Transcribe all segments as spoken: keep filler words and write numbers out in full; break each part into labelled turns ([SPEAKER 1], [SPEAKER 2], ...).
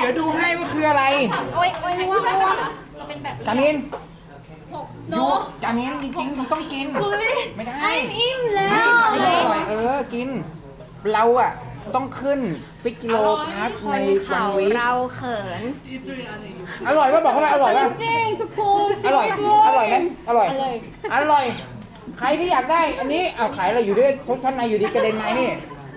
[SPEAKER 1] เดี๋ยวดูให้ว่าคืออะไร
[SPEAKER 2] โอ้ยโอ้ยง่วงง่วง
[SPEAKER 1] จามิน
[SPEAKER 3] โน
[SPEAKER 1] ยูจามินจริงๆคุณต้องกิน
[SPEAKER 3] คุย
[SPEAKER 1] ไม่ได้
[SPEAKER 3] ไอ้อิ่มแล้ว
[SPEAKER 1] ไม่ได้อร่อยเออกิน เราอ่ะต้องขึ้นฟิกกิโลพาสในวันวี
[SPEAKER 2] เราเขิน
[SPEAKER 1] อร่อยป่ะบอกเขาเลยอร่อยป่ะ
[SPEAKER 3] จริงทุกคน
[SPEAKER 1] อร่อย อร่อยไหมอร่อย
[SPEAKER 3] อร่อย
[SPEAKER 1] อร่อย ใครที่อยากได้ อันนี้เอาขายอะไรอยู่ด้วยชดชั้นในอยู่ดีกระเด็นในนี่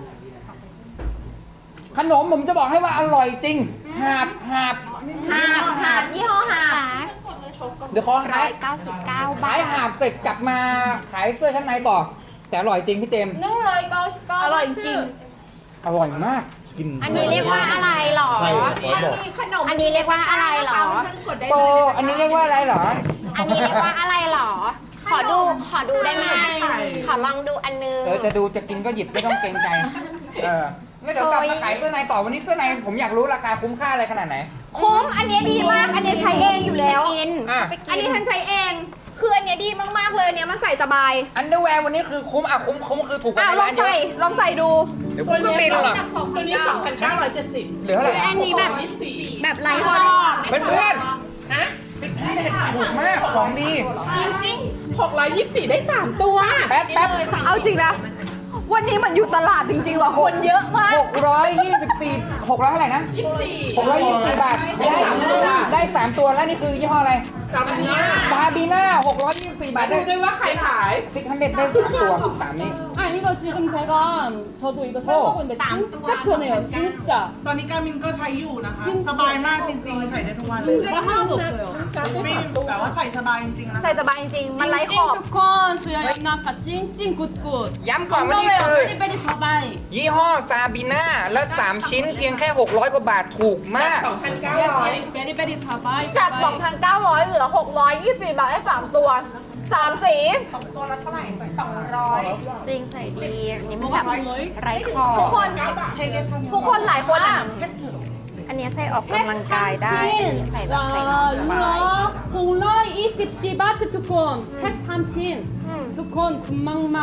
[SPEAKER 1] ขนมผมจะบอกให้ว่าอร่อยจริง หาบหาบ
[SPEAKER 2] หาบหาบยี่ห้อหาบ
[SPEAKER 1] เดี๋ยวขอ
[SPEAKER 2] ร้
[SPEAKER 1] ขา
[SPEAKER 2] อย ยเก้าสิบเก้าบา
[SPEAKER 1] ขาย
[SPEAKER 2] ท
[SPEAKER 1] หาบเสร็จกลับมาขายเสื้อชั้นในต่อ แต่อร่อยจริงพี่เจมส์
[SPEAKER 3] นึ่งเลยเก้าสิบเก้า
[SPEAKER 2] อร่อยจริง
[SPEAKER 1] อร่อยมากกิน
[SPEAKER 2] อันนี้เรียกว่าอะไรหรอ
[SPEAKER 1] ใครขอบอก
[SPEAKER 2] อันนี้เรียกว่าอะไรหรอ
[SPEAKER 1] โปอันนี้เรียกว่าอะไรเหรอ
[SPEAKER 2] อันนี้เรียกว่าอะไรหรอ ขอดู ขอดูได้ไหมขอลองดูอันนึง
[SPEAKER 1] เออจะดูจะกินก็หยิบไม่ต้องเกรงใจ เออแล้วเดี๋ยวกลับมาขายเสื้อในต่อวันนี้เสื้อในผมอยากรู้ราคาคุ้มค่าอะไรขนาดไหน
[SPEAKER 4] คุ้มอันเนี้ยดีมาก อันเนี้ยใช้เองอยู่แล้ว
[SPEAKER 2] กิน
[SPEAKER 1] อ่ะ
[SPEAKER 2] ไปกิ
[SPEAKER 4] อันนี้ฉันใช้เอง คืออันเนี้ยดีมากๆเลยอันเนี้ยมันใส่สบาย
[SPEAKER 1] อันเดอร์แวร์วันนี้คือคุ้มอ่ะคุ้มคุ้มคือถูกกว่า
[SPEAKER 4] อ้าว
[SPEAKER 1] ใน
[SPEAKER 4] ลอ
[SPEAKER 1] ร้าง นเย
[SPEAKER 4] ใส่
[SPEAKER 1] อะ
[SPEAKER 4] ลองใส่ดู
[SPEAKER 1] เดี๋ยวคุณก็บินหรอก
[SPEAKER 5] ตัวนี้สองพันเก้าร้อยเจ็ดสิบ
[SPEAKER 1] เหลือเท่าไหร่
[SPEAKER 2] อันนี้แบบ
[SPEAKER 5] สี่
[SPEAKER 2] แบบไร้ข้อ
[SPEAKER 1] เพื่อนเพื่อนถูกมากของดี
[SPEAKER 5] หกร้อยยี่สิบสี่ได้สามตัว
[SPEAKER 1] แป๊บแป๊บ
[SPEAKER 4] เอาจริงนะ วันนี้มันอยู่ตลาดจริงๆว่ะคนเยอะมาก
[SPEAKER 1] หกร้อยยี่สิบสี่หกร้อยเท่าไหร่นะหกร้อยยี่สิบสี่บาทได้ได้สามตัวแล้วนี่คือยี่ห้ออะไร
[SPEAKER 5] จำนี้
[SPEAKER 1] บาบีน่าหกร้อยยี่สิบสี่บาทได้
[SPEAKER 5] ดูด้วยว่าใครขาย
[SPEAKER 1] ซิกฮันเด็ดได้สามตัวสามนี้
[SPEAKER 3] 아 이거 지금 제가 저도 이거 사용하고 있는데 진짜 편해요 진짜
[SPEAKER 6] ตอนนี้การมินก็ใช้อยู่นะคะ สบายมากจริงๆ ใส่ได้ทุกวันเลย
[SPEAKER 3] 문제가 하나도 없어요
[SPEAKER 6] ไม่แบบว่าใส่สบายจริงๆนะ
[SPEAKER 4] ใส่สบายจริงๆ มันไร้ข
[SPEAKER 3] 찡찡
[SPEAKER 4] อบ
[SPEAKER 3] 투콘 수야 양나파 찡찡 굿굿
[SPEAKER 1] ย้ำก่อนว่านี่
[SPEAKER 3] 건강해요
[SPEAKER 1] คือ
[SPEAKER 3] 베리베리 사바이
[SPEAKER 1] ยี่ห้อซาบีน่าและสามชิ้นเพียงแค่หกร้อยกว่าบาทถูกมาก
[SPEAKER 5] สองพันเก้า
[SPEAKER 3] yes
[SPEAKER 5] ร้อย
[SPEAKER 3] yes 베리베리 사바이
[SPEAKER 4] จาก
[SPEAKER 3] 사바이
[SPEAKER 4] สองพันเก้าร้อยเหลือหกร้อยยี่สิบสี่บาทได้สามตัวสามสี
[SPEAKER 6] ตัวละเท่าไหร่สองร้อย
[SPEAKER 2] จริงใส่ดีอันนี้มันแบบไร้คอ
[SPEAKER 4] ทุกคน
[SPEAKER 6] ใช้เกสทำ
[SPEAKER 4] ทุกคนหลายคนอ่ะ
[SPEAKER 2] อันนี้ใส่ออกกำลังกายได้ อันนี้ใส่แบบใส่นอน
[SPEAKER 3] 와
[SPEAKER 2] สบาย
[SPEAKER 3] 루어 홍러 이십 시 바트 투콘 백 삼십 투콘 군막막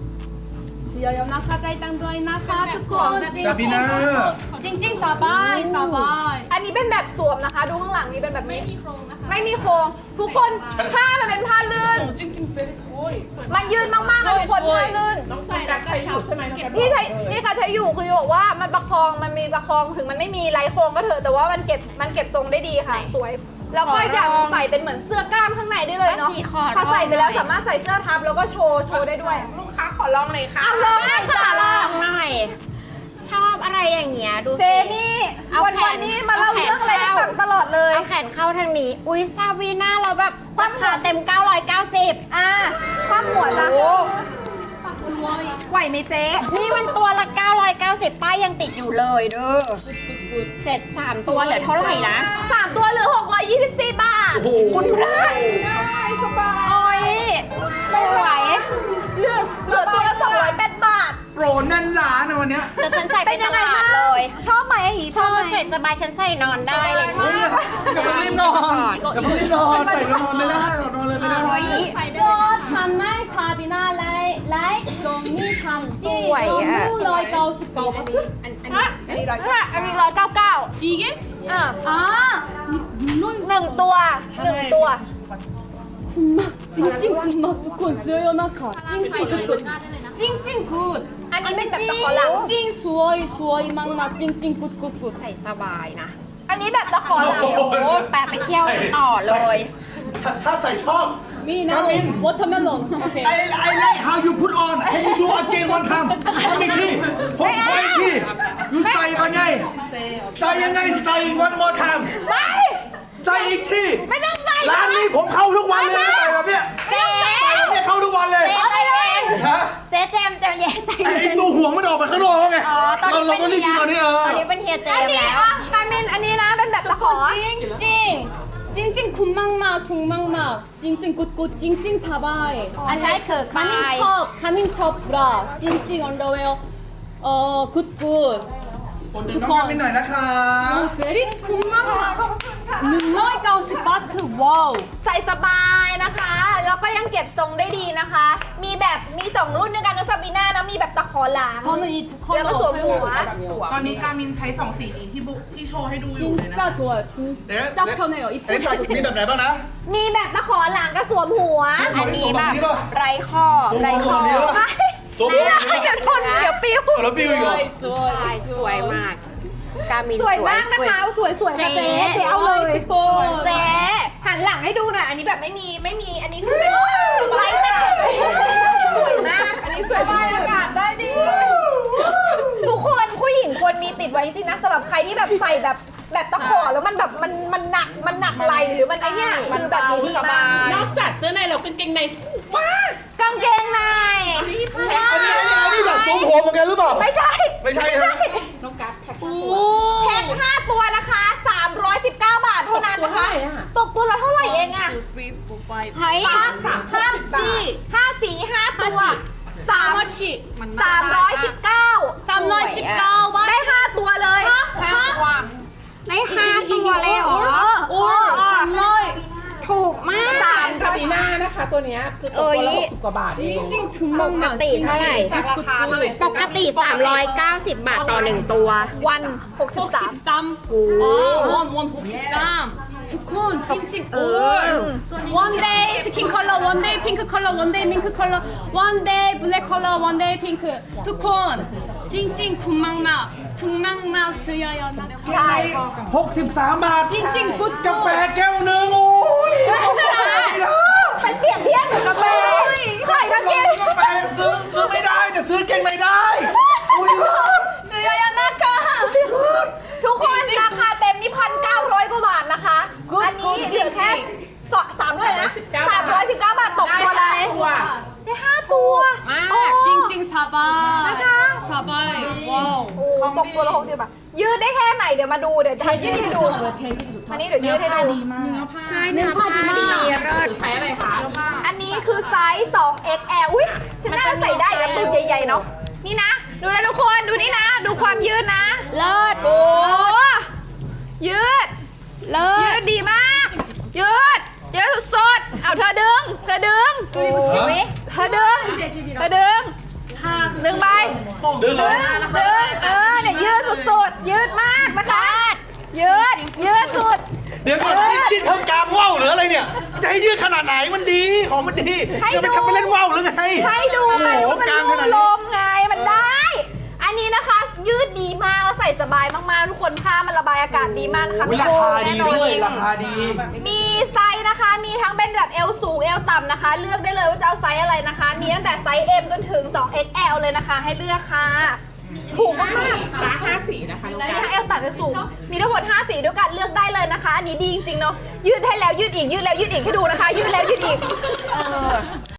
[SPEAKER 3] 수야 연나카 짜이땅 도아이 나카 투콘 찡찡 사바이 사바이
[SPEAKER 4] อันนี้เป็นแบบสวมนะคะ ดูข้างหลังนี้เป็นแบบนี้ ไม่มีโครง ทุกคนผ้ามันเป็นผ้าลื่น
[SPEAKER 5] จริงๆเป็นโอ้ย
[SPEAKER 4] มันยืนมากๆนะทุกคนผ้าลื่น
[SPEAKER 5] น้องกัดใช้อยู่ใช่ไหมน้องกัด
[SPEAKER 4] ที่ใช้นี่ค่ะใช้อยู่คือบอกว่ามันประคองมันมีประคองถึงมันไม่มีไรโครงก็เถอะแต่ว่ามันเก็บมันเก็บทรงได้ดีค่ะ สวย แล้วก็อีกอย่างหนึ่งใส่เป็นเหมือนเสื้อกล้ามข้างในได้เลยเนาะ
[SPEAKER 2] สีขอ
[SPEAKER 4] พอใส่ไปแล้วสามารถใส่เสื้อทับแล้วก็โชว์โชว์ได้ด้วย
[SPEAKER 5] ลูกค้าขอลองเลยค่ะ
[SPEAKER 4] เอาเลยค่ะ
[SPEAKER 2] ลองหน่อย ชอบอะไรอย่างเงี้ยดูสิ
[SPEAKER 4] เจนี่
[SPEAKER 2] เอา
[SPEAKER 4] วัน
[SPEAKER 2] แขน
[SPEAKER 4] วันนี้มาเล่า
[SPEAKER 2] เอาแขน
[SPEAKER 4] เรื่องอะไรให้
[SPEAKER 2] เข้า
[SPEAKER 4] ฟังตลอดเลย
[SPEAKER 2] เอาแขนเข้าทางนี้ อุ้ยซาวีน่าเราแบบราคาเต็ม เก้าร้อยเก้าสิบ
[SPEAKER 4] อ่าความหัวจ้ะไหวไหมเจ๊
[SPEAKER 2] นี่มันตัวละ เก้าร้อยเก้าสิบ ป้ายยังติดอยู่เลยเด้อเจ็ดสามตัวเหลือเท่าไหร่นะ
[SPEAKER 4] สามตัวเหลือหกร้อยยี่สิบสี่บาท
[SPEAKER 2] คุณพระโอ้ยสวย
[SPEAKER 4] เหลือเหลือตัวละสองร้อยแปดบาท
[SPEAKER 6] โปรแน่นล้านนะวันเนี้ย
[SPEAKER 2] แต่ฉันใส่ไปตลาดเลย
[SPEAKER 4] ชอบไหมอย่างงี้
[SPEAKER 2] ช
[SPEAKER 4] ช
[SPEAKER 2] อ
[SPEAKER 4] อ
[SPEAKER 2] บบ
[SPEAKER 4] ไหม
[SPEAKER 2] ใส่สบายฉันใส่นอนได้เลย
[SPEAKER 6] เฮ้ยอย่าไปรีบนอนอย่าไปรีบนอนใส่แล้วนอนไม่ได้นอนเลยไม่ได้
[SPEAKER 2] โอ้ย
[SPEAKER 3] 저 참말 사비나 라이 라이 좀미 삼시
[SPEAKER 2] สวยอะ
[SPEAKER 3] 너무 라이 가오십 가오
[SPEAKER 4] อันนี้อันนี้ร้อยอันนี้ร้อยเก้าเก้า
[SPEAKER 3] 이게
[SPEAKER 4] อ่า
[SPEAKER 3] 아 물론
[SPEAKER 4] หนึ่งตัวหนึ่งตัว
[SPEAKER 3] 군막 찡찡 군막 두콘 수요 연나카 찡찡 굿굿 찡찡 굿
[SPEAKER 4] อันนี้เป็นแบบตะขอหลัง
[SPEAKER 3] 찡찡 수어이 수어이 막막 찡찡 굿굿굿
[SPEAKER 2] ใส่สบายนะ
[SPEAKER 4] อันนี้แบบตะขอหลัง
[SPEAKER 2] โอ้โหแปะไปเที่ยวกันต่อเลย
[SPEAKER 6] ถ้าใส่ชอบ
[SPEAKER 3] 미나
[SPEAKER 6] 까민.
[SPEAKER 3] 워터멜론 오케이
[SPEAKER 6] ไอ้ไอ้ like how you put on can you do again one time ทำอีกทีผมขออีกที you ใส่มาไง ใส่ยังไงใส่ one more time
[SPEAKER 4] ไม่
[SPEAKER 6] ใส่อีกที
[SPEAKER 4] ไม่ต้องใส่
[SPEAKER 6] ร้านนี้ผมเข้าทุกวันเลยใส่แบบเนี้ย
[SPEAKER 2] เจ๊
[SPEAKER 6] ใส่แบบเนี้ยเข้าทุกวันเลย
[SPEAKER 2] เจ๊ใจเย็น
[SPEAKER 6] ฮะ
[SPEAKER 2] เจ๊แจมใจเย็นใจ
[SPEAKER 6] ไอ้
[SPEAKER 2] เย็น
[SPEAKER 6] ตัวห่วงมันออกไปข้างนอกแล้วไง
[SPEAKER 2] อ๋อ ตอน
[SPEAKER 6] เรา
[SPEAKER 2] นี้
[SPEAKER 6] เรา
[SPEAKER 2] เป็น
[SPEAKER 6] ก็รีบ
[SPEAKER 2] เฮี
[SPEAKER 6] กิน
[SPEAKER 2] ย
[SPEAKER 6] ตอนนี้เออ
[SPEAKER 2] ตอนนี้เป็นเฮียเจ
[SPEAKER 4] อัน
[SPEAKER 2] ม
[SPEAKER 4] นี้
[SPEAKER 2] แล้ว
[SPEAKER 4] อ่ะคามินอันนี้นะเป็นแบบตะขอ
[SPEAKER 3] 찡찡 찡찡 군막막 둥막막 찡찡 굿굿 찡찡 사바이
[SPEAKER 2] I like her
[SPEAKER 3] 가민
[SPEAKER 2] cry.
[SPEAKER 3] 첩 가민 첩 브라 찡찡 언더웨어 어 굿굿
[SPEAKER 6] กดดึงน้องกันไปหน่อยนะคะ
[SPEAKER 3] 베리 쿵망마 능로이가우스 바트 와우
[SPEAKER 4] ใส่สบายนะคะ แล้วก็ยังเก็บทรงได้ดีนะคะ มีแบบมีสองรุ่นด้วยกันนะซาบีน่านะมีแบบตะขอหลัง
[SPEAKER 3] 저는 이 두
[SPEAKER 4] แล้ว
[SPEAKER 3] 컬러
[SPEAKER 4] ก็สวมหัว
[SPEAKER 3] 사용하거든요
[SPEAKER 5] ตอนนี้การมินใช้สองสีนี้ที่บุที่โชว์ให้ดูอยู่เลยนะ
[SPEAKER 3] 진짜 좋아요 진짜 편해요
[SPEAKER 6] เอ๊ะมีแบบไหนบ้างนะ
[SPEAKER 4] มีแบบตะขอหลังกับสวมหัว
[SPEAKER 2] อันนี้แบบไรข้อไรข้อ
[SPEAKER 6] สวมหัวแบบนี้ปะ สวมหัวแบบนี้
[SPEAKER 4] เดี๋ยวทนเดี๋ยวปิ้ว
[SPEAKER 6] แล้วปิ้วอีกเหรอ
[SPEAKER 2] ใช่สวยมาก การมิน
[SPEAKER 4] สวยมากนะคะสวยสวยๆค่ะเจ๊เจ๊เอาเลย
[SPEAKER 3] ทุกคน
[SPEAKER 4] เจ๊หันหลังให้ดูหน่อย อันนี้แบบไม่มีไม่มีอันนี้คือเป็นไลท์แมทสวยมากอันนี้สวยที่สุดอากาศได้ดีทุกคนผู้หญิงควรมีติดไว้จริงๆนะสำหรับใครที่แบบใส่แบบแบบตะขอแล้วมันแบบมันมันหนักมันหนักไหลหรือมันไอเนี้ยคือแบบนี้ดีมาก
[SPEAKER 5] นอกจากเสื้อในเรากางเกงในถูกมาก
[SPEAKER 4] กางเกงใน
[SPEAKER 6] อันนี้อันนี้อันนี้แบบสวมหัวเหมือนกันหรือเปล่า
[SPEAKER 4] ไม่ใช่
[SPEAKER 6] ไม่ใช่ใช่ไหม
[SPEAKER 5] น้องกัสแท็ก
[SPEAKER 4] แพ็คห้าตัวนะคะสามร้อยสิบเก้าบาทเท่านั้นนะคะ ตกตัวละเท่าไหร่เองอะ
[SPEAKER 2] เฮ้ย
[SPEAKER 4] ห้าสามห้าสี่ห้าสี่ห้าตัวสาม
[SPEAKER 3] 하나씩
[SPEAKER 4] สามร้อยสิบเก้า
[SPEAKER 3] 삼십구
[SPEAKER 4] ได้ห้าตัวเลย
[SPEAKER 2] ได้ห้าตัวเลยเหรอ
[SPEAKER 3] 오 삼라이
[SPEAKER 2] ถูกมาก
[SPEAKER 4] สาม
[SPEAKER 5] ซาบีน่านะคะ ตัวเนี้ยคือตกตัวละหกสิบกว่าบาทเอง
[SPEAKER 3] 찡찡
[SPEAKER 2] ปก
[SPEAKER 3] 금방만
[SPEAKER 2] ติเท่าไหร่ ปกติ สามร้อยเก้าสิบ บาทต่อหนึ่งตัว
[SPEAKER 4] วันหกสิบสาม
[SPEAKER 3] 63 아, 원, 원 복십삼 두콘 찡찡 올 원데이 스킨 컬러 원데이 핑크 컬러 원데이 밍크 컬러 원데이 블랙 컬러 원데이 핑크 두콘 찡찡 군망막 둥망막 스여요
[SPEAKER 4] ใช่
[SPEAKER 6] หกสิบสามบาท
[SPEAKER 3] 찡찡 굿
[SPEAKER 6] กาแฟแก้วหนึ่งโอ้ย
[SPEAKER 4] ไปเปรียบเทียบกับกาแฟใส่กางเกง
[SPEAKER 6] กาแฟซื้อซื้อไม่ได้แต่ซื้อเก่งในได้อุ้ยเลิศ
[SPEAKER 3] 스여요 나카
[SPEAKER 4] ทุกคนราคาเต็มนี่พันเก้าร้อยกว่าบาทนะคะ
[SPEAKER 3] Good
[SPEAKER 4] อันนี้
[SPEAKER 3] good
[SPEAKER 4] เหลือแค่
[SPEAKER 3] จริง
[SPEAKER 4] สสามเลยนะสามร้อยสิบเก้าบาทตก
[SPEAKER 5] ได้
[SPEAKER 4] ตัว
[SPEAKER 5] ห้า
[SPEAKER 4] เลย
[SPEAKER 5] ตัว
[SPEAKER 4] ได้ห้าตัว
[SPEAKER 2] มาก
[SPEAKER 4] โอ้
[SPEAKER 3] 찡찡 사바
[SPEAKER 4] 나카.
[SPEAKER 3] 사바이 와우
[SPEAKER 4] โอ้ตกตัวละหกสิบบาทยืดได้แค่ไหนเดี๋ยวมาดูเดี๋ยวจะยืด
[SPEAKER 3] 재질이
[SPEAKER 4] ให้ดู
[SPEAKER 3] 좋더라고요 재질이
[SPEAKER 4] อัน
[SPEAKER 3] 좋다
[SPEAKER 4] นี้เดี๋ยวยืดให้ดู
[SPEAKER 2] ใช่เนื้อผ้าดีเลิศ
[SPEAKER 5] ใช้อะไรคะ
[SPEAKER 4] อันนี้คือไซส์ สอง เอ็กซ์ แอล อุ้ยฉันน่าใส่ได้นะตัวใหญ่ๆเนาะนี่นะ ดูนะทุกคนดูนี่นะ ดูความยืดนะ
[SPEAKER 2] เลิศ
[SPEAKER 4] โอ้ยืด
[SPEAKER 2] เลิ
[SPEAKER 4] ยื
[SPEAKER 2] ศ
[SPEAKER 4] ดดีมาก ยืดยืดสุดๆเอาเธอดึง เธอดึง
[SPEAKER 2] โอ้ย
[SPEAKER 4] เธอดึง เธอดึง ดึงไป
[SPEAKER 6] ดึงเหร
[SPEAKER 4] ดึ
[SPEAKER 6] อง
[SPEAKER 4] ดึงเออเนี่ยยืดสุดๆ ยืดมากนะคะ ยืด ยืดสุด
[SPEAKER 6] เดี๋ยวก่อนนี่นี่ทำกลางว่าวหรืออะไรเนี่ย จะให้ยืดขนาดไหนมันดี ของมันดี
[SPEAKER 4] ให้
[SPEAKER 6] จะไป
[SPEAKER 4] ดู
[SPEAKER 6] ทำไปเล่นว่าวหรือไง
[SPEAKER 4] ให้ดู
[SPEAKER 6] โอ้
[SPEAKER 4] ไง
[SPEAKER 6] โห
[SPEAKER 4] ว่ามัน
[SPEAKER 6] กลางข
[SPEAKER 4] รู
[SPEAKER 6] นาด
[SPEAKER 4] ล
[SPEAKER 6] นี้
[SPEAKER 4] มไง มันได้ อันนี้นะคะ ยืดดีมากแล้วใส่สบายมากๆ ทุกคนผ้ามันระบายอากาศดีมากนะคะ
[SPEAKER 6] อุ๊ยราคาดีด้วยราคาดี
[SPEAKER 4] มีไซส์นะคะ มีทั้งเป็นแบบเอวสูงเอวต่ำนะคะ เลือกได้เลยว่าจะเอาไซส์อะไรนะคะ มีตั้งแต่ไซส์ M จนถึง สอง เอ็กซ์ แอล เลยนะคะ ให้เลือกค่ะ ถูกมากๆ
[SPEAKER 5] ร้านห้าสีนะคะน้อง
[SPEAKER 4] มี
[SPEAKER 5] กัส
[SPEAKER 4] ทั้งเอวต่ำเอวสูง มีทั้งหมดห้าสีด้วยกันเลือกได้เลยนะคะ อันนี้ดีจริงๆเนาะ ยืดให้แล้วยืดอีก ยืดแล้วยืดอีกให้ดูนะคะ ยืดแล้วยืดอีก
[SPEAKER 2] เออ